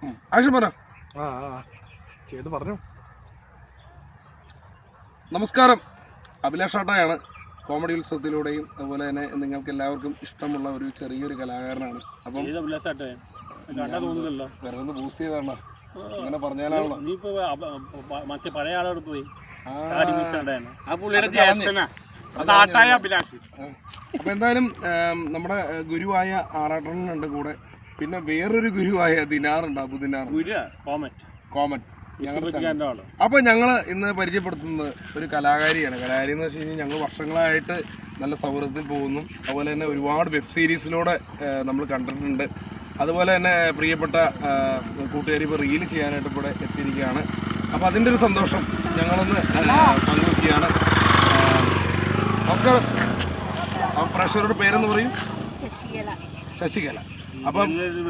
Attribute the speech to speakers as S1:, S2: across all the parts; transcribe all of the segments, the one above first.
S1: Action പറ.
S2: ചെയ്ത് പറഞ്ഞു.
S1: നമസ്കാരം, അഭിലാഷ് ആട്ടയാണ്. കോമഡി ഉത്സവത്തിലൂടെയും അതുപോലെ തന്നെ നിങ്ങൾക്ക് എല്ലാവർക്കും ഇഷ്ടമുള്ള ഒരു ചെറിയൊരു കലാകാരനാണ്. അപ്പം വെറുതെ ബൂസ്റ്റ് ചെയ്താണ് അങ്ങനെ പറഞ്ഞാലാണല്ലോ.
S3: പഴയ ആളോട് പോയി
S1: അപ്പൊ എന്തായാലും നമ്മുടെ ഗുരുവായ ആറാട്ടനുണ്ട് കൂടെ, പിന്നെ വേറൊരു ഗുരുവായ ദിനാറുണ്ട്, അബുദിനാർ കോമറ്റ്. അപ്പൊ ഞങ്ങള് ഇന്ന് പരിചയപ്പെടുത്തുന്നത് ഒരു കലാകാരിയാണ്. കലാകാരി എന്ന് വെച്ച് കഴിഞ്ഞാൽ ഞങ്ങൾ വർഷങ്ങളായിട്ട് നല്ല സൗഹൃദത്തിൽ പോകുന്നു. അതുപോലെ തന്നെ ഒരുപാട് വെബ് സീരീസിലൂടെ നമ്മൾ കണ്ടിട്ടുണ്ട്. അതുപോലെ തന്നെ പ്രിയപ്പെട്ട കൂട്ടുകാരി ഇപ്പോൾ റീൽ ചെയ്യാനായിട്ട് ഇവിടെ എത്തിയിരിക്കുകയാണ്. അപ്പോൾ അതിൻ്റെ ഒരു സന്തോഷം ഞങ്ങളൊന്ന് പങ്കുവയ്ക്കുകയാണ്. നമസ്കാരം. പ്രേക്ഷകരുടെ പേരെന്ന് പറയും? ശശികല. അപ്പം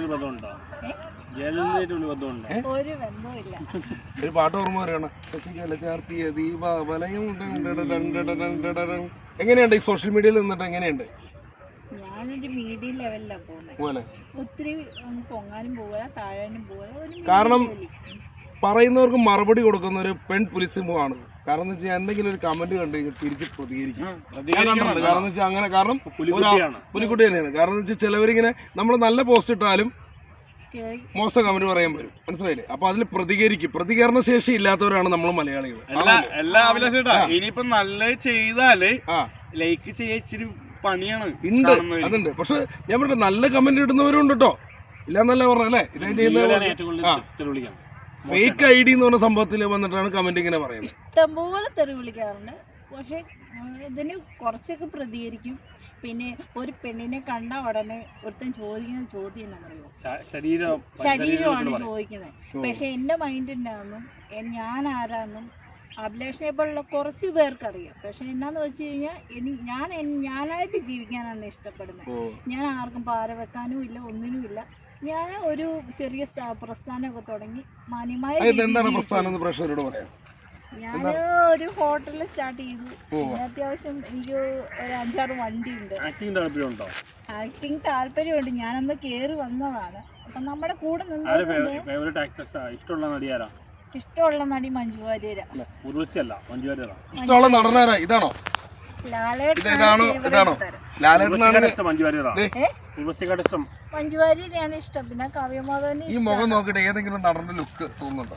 S1: ഒരു പാട്ട് ഓർമ്മ വരികയാണ്. ശശികല ചാർത്തിയ ദീപാവലയം. എങ്ങനെയുണ്ട് ഈ സോഷ്യൽ മീഡിയയിൽ നിന്നിട്ട്? എങ്ങനെയുണ്ട്?
S4: ഞാനൊരു മീഡിയം ലെവലിലാണ് പോകുന്നത്. ഒത്തിരി പൊങ്ങാനും പോകാൻ താഴാനും പോകാൻ.
S1: കാരണം പറയുന്നവർക്ക് മറുപടി കൊടുക്കുന്ന ഒരു പെൺ പുലിസിംഹമാണ്. കാരണം എന്ന് വെച്ചാൽ എന്തെങ്കിലും ഒരു കമന്റ് കണ്ടു കഴിഞ്ഞാൽ തിരിച്ച് പ്രതികരിക്കും. കാരണം എന്ന് വെച്ചാൽ അങ്ങനെ, കാരണം പുലിക്കുട്ടി തന്നെയാണ്. കാരണം എന്ന് വെച്ചാൽ ചിലവരിങ്ങനെ നമ്മൾ നല്ല പോസ്റ്റ് ഇട്ടാലും മോശം കമന്റ് പറയാൻ വരും, മനസ്സിലായില്ലേ? അപ്പൊ അതിൽ പ്രതികരിക്കും. പ്രതികരണ ശേഷി ഇല്ലാത്തവരാണ് നമ്മൾ മലയാളികൾ.
S2: ഇനിയിപ്പോ നല്ല ചെയ്താല് ലൈക്ക് ചെയ്യാൻ ഇച്ചിരി പണിയാണ്.
S1: ഉണ്ട്, അതുണ്ട്. പക്ഷെ ഞാൻ പറഞ്ഞ നല്ല കമന്റ് ഇടുന്നവരും ഉണ്ട് കേട്ടോ, ഇല്ലാന്നല്ല പറഞ്ഞല്ലേ. ഇതേ ചെയ്യുന്ന ഫേക്ക് ഐ ഡി എന്ന് പറഞ്ഞ സംഭവത്തിൽ വന്നിട്ടാണ് കമന്റ് ഇങ്ങനെ പറയുന്നത്.
S4: ഇഷ്ടംപോലെ തെറി വിളിക്കാറുണ്ട്. പക്ഷെ ഇതിന് കുറച്ചൊക്കെ പ്രതികരിക്കും. പിന്നെ ഒരു പെണ്ണിനെ കണ്ട ഉടനെ ഒരുത്തൻ ചോദിക്കുന്ന ചോദ്യം എന്താണെന്നറിയോ? ശരീരമാണ് ചോദിക്കുന്നത്. പക്ഷെ എന്റെ മൈൻഡിനാന്നും ഞാൻ ആരാന്നും അഭിലാഷിനെ പോലുള്ള കുറച്ച് പേർക്കറിയാം. പക്ഷെ എന്നാന്ന് വെച്ച് കഴിഞ്ഞാൽ ഞാനായിട്ട് ജീവിക്കാനാണ് ഇഷ്ടപ്പെടുന്നത്. ഞാൻ ആർക്കും പാര വെക്കാനും ഇല്ല, ഒന്നിനും ഇല്ല. ഞാൻ ഒരു ചെറിയ പ്രസ്ഥാനമൊക്കെ തുടങ്ങി മാന്യമായ. ഞാൻ ഒരു ഹോട്ടലിൽ സ്റ്റാർട്ട് ചെയ്തു. അത്യാവശ്യം എനിക്ക് ഒരു 5-6 വണ്ടിയുണ്ട്. ആക്ടിങ് താല്പര്യമുണ്ട്. ഞാനന്ന് കേറി വന്നതാണ്. അപ്പൊ നമ്മുടെ കൂടെ ഇഷ്ടമുള്ള നടി മഞ്ജു വാര്യരാ.
S1: ഇഷ്ടമുള്ള നടനാരാ? ഇതാണോ
S4: മഞ്ജു വാര്യരെയാണ് ഇഷ്ടം. പിന്നെ കാവ്യമാധവനെ.
S1: ഈ മുഖം നോക്കിട്ട് ഏതെങ്കിലും നടന്റെ ലുക്ക് തോന്നുന്നുണ്ടോ?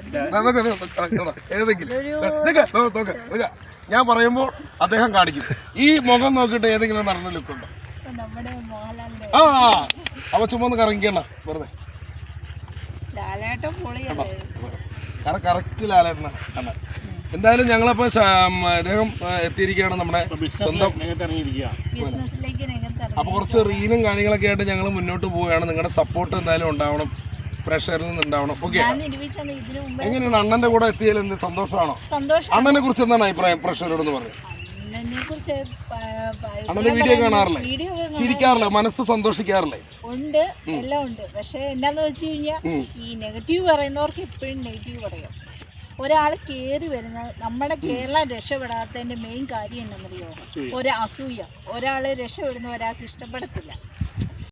S1: ഞാൻ പറയുമ്പോൾ അദ്ദേഹം കാണിക്കും. ഈ മുഖം നോക്കിട്ട് ഏതെങ്കിലും നടന്റെ ലുക്ക് ഉണ്ടോ?
S4: നമ്മുടെ മോഹൻലാലിന്റെ.
S1: അപ്പൊ ചുമ്മാ ഒന്ന് കറങ്ങിക്കണ്ട വെറുതെ.
S4: ലാലേട്ടൻ പൊളിയല്ലേ?
S1: കറക്റ്റ് ലാലേട്ടനാ. എന്തായാലും ഞങ്ങളപ്പോ അദ്ദേഹം എത്തിയിരിക്കുകയാണ് നമ്മുടെ സ്വന്തം. അപ്പൊ കുറച്ച് റീലും കാര്യങ്ങളൊക്കെ ആയിട്ട് ഞങ്ങൾ മുന്നോട്ട് പോവുകയാണ്. നിങ്ങളുടെ സപ്പോർട്ട് എന്തായാലും ഉണ്ടാവണം, പ്രേക്ഷകരിൽ നിന്ന് ഉണ്ടാവണം. ഓക്കെ, എങ്ങനെയാണ് അണ്ണന്റെ കൂടെ എത്തിയാൽ എന്ത് സന്തോഷമാണോ? അണ്ണനെ കുറിച്ച് എന്താണ് അഭിപ്രായം പ്രേക്ഷകരോടൊന്ന് പറഞ്ഞു? അണ്ണന്റെ വീഡിയോ കാണാറില്ലേ? ചിരിക്കാറില്ലേ? മനസ്സ് സന്തോഷിക്കാറില്ലേ?
S4: ഉണ്ട്, എല്ലാം ഉണ്ട്. പക്ഷെ എന്താന്ന് വെച്ച് കഴിഞ്ഞാൽ ഈ നെഗറ്റീവ് പറയുന്നവർക്ക് എപ്പോഴും നെഗറ്റീവ് പറയാം. ഒരാൾ കയറി വരുന്നത് നമ്മുടെ കേരളം രക്ഷപ്പെടാത്തതിന്റെ മെയിൻ കാര്യം എന്താണെന്നറിയോ? ഒരു അസൂയ. ഒരാൾ രക്ഷപ്പെടുന്ന ഒരാൾക്ക് ഇഷ്ടപ്പെടത്തില്ല.